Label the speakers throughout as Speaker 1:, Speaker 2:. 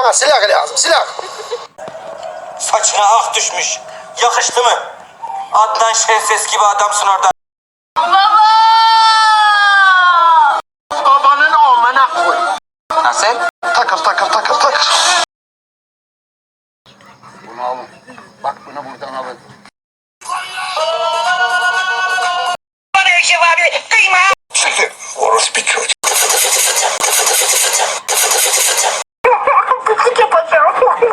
Speaker 1: Bana silah lazım, silah.
Speaker 2: Saçına ak düşmüş. Yakıştı mı? Adnan Şenses gibi adamsın orada.
Speaker 3: Baba!
Speaker 1: Babanın amına koy.
Speaker 2: Nasıl?
Speaker 1: Takır. Bunu alın. Bak bunu buradan alın.
Speaker 2: Bana Eşref abi kıyma.
Speaker 1: Siktir. Orospu çocuk. Pislik yapacağım.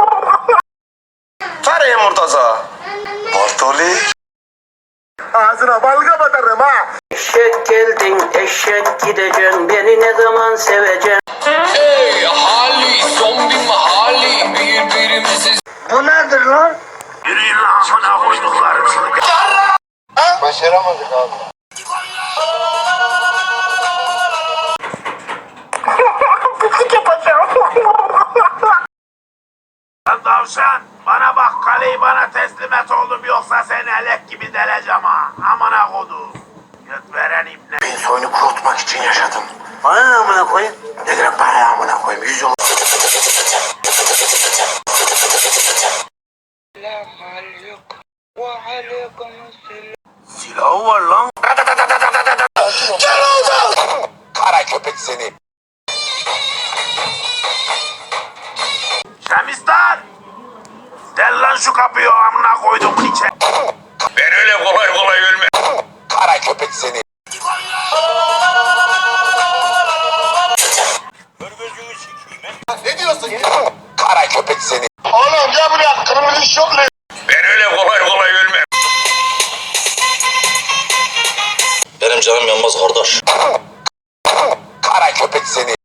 Speaker 1: Nereye Murtaza? Bartoli. Ağzına balga batarım ha.
Speaker 4: Eşek geldin, eşek gideceksin, beni ne zaman seveceksin?
Speaker 5: Hey ahali, zombi mahali, birbirimizi...
Speaker 4: Bu nedir lan?
Speaker 1: Yürüyün lan amına koyduklarım seni. Başaramadık abi. Pislik yapacağım. Lan tavşan, bana bak, kaleyi bana teslim et oğlum, yoksa seni elek gibi deleceğim ha. Amına kodum. Göt veren ibne. Ben soyunu kurutmak için yaşadım.
Speaker 4: Bana ne amına koyayım?
Speaker 1: Ne demek bana amına koyayım? 100 yıl. Silahı var lan. Gel oradan. Kara köpek seni. Şemistan. Del lan şu kapıyı, amına koyduğumun içe. Ben öyle kolay kolay ölmem. Kara köpek seni. Ne diyorsun ya? Kara köpek seni. Oğlum gel buraya, kırmızı şortlu. Ben öyle kolay kolay ölmem.
Speaker 2: Benim canım yanmaz kardeş.
Speaker 1: Kara köpek seni.